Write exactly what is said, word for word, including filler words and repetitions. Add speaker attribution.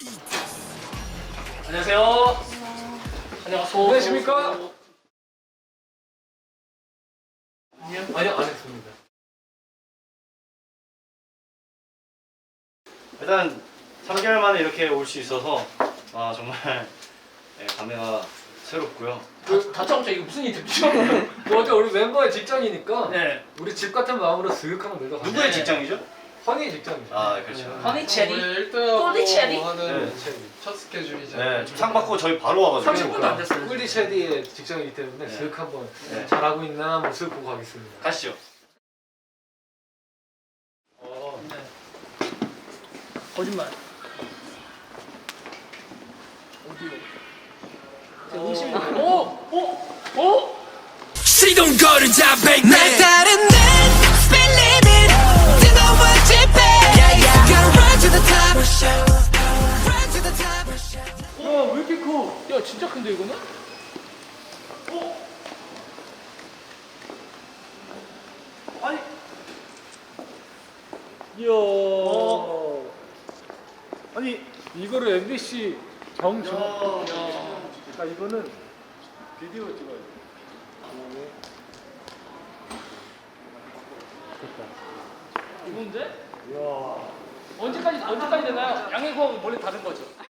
Speaker 1: 안녕하세요. 안녕하세요.
Speaker 2: 안녕하십니까?
Speaker 1: 안녕.
Speaker 2: 아니요, 안 했습니다.
Speaker 3: 일단 삼 개월 만에 이렇게 올 수 있어서 아 정말 네, 감회가 새롭고요.
Speaker 2: 그 다짜고짜 이거 무슨 인터뷰죠? 그 어제 우리 멤버의 직장이니까
Speaker 1: 네.
Speaker 2: 우리 집 같은 마음으로 슥 한번 놀러 가자.
Speaker 3: 누구의
Speaker 1: 네.
Speaker 3: 직장이죠?
Speaker 2: 허니 직장이죠.
Speaker 3: 아 그렇죠.
Speaker 1: 허니 체리.
Speaker 4: 일 등하고
Speaker 1: 꿀리 체리?
Speaker 4: 하는
Speaker 3: 네.
Speaker 4: 첫 스케줄이죠.
Speaker 3: 네, 지금 상 받고 저희 바로 와가지고.
Speaker 1: 삼십 분도 안 됐어요.
Speaker 2: 꿀리 체리의 직장이기 때문에
Speaker 3: 네.
Speaker 2: 슥 한번
Speaker 3: 네.
Speaker 2: 잘하고 있나 한번 슥 보고 가겠습니다.
Speaker 3: 가시죠.
Speaker 2: 어.
Speaker 1: 네. 거짓말. 어디요? 음식. 오, 오, 오.
Speaker 5: 시동거를 잡을 날 다른 날 spin limit 뜨거워질 배 Go run to the top Run to the top
Speaker 1: 와, 왜 이렇게 커? 야, 진짜 큰데 이거는? 오. 아니.
Speaker 2: 이야.
Speaker 3: 어. 아니
Speaker 2: 이거를 엠비씨 정정.
Speaker 1: 야.
Speaker 2: 그러니까 이거는 비디오 찍어야 돼.
Speaker 1: 이건데?
Speaker 2: 이야.
Speaker 1: 언제까지 언제까지 되나요? 양해구하고 원래 다른 거죠?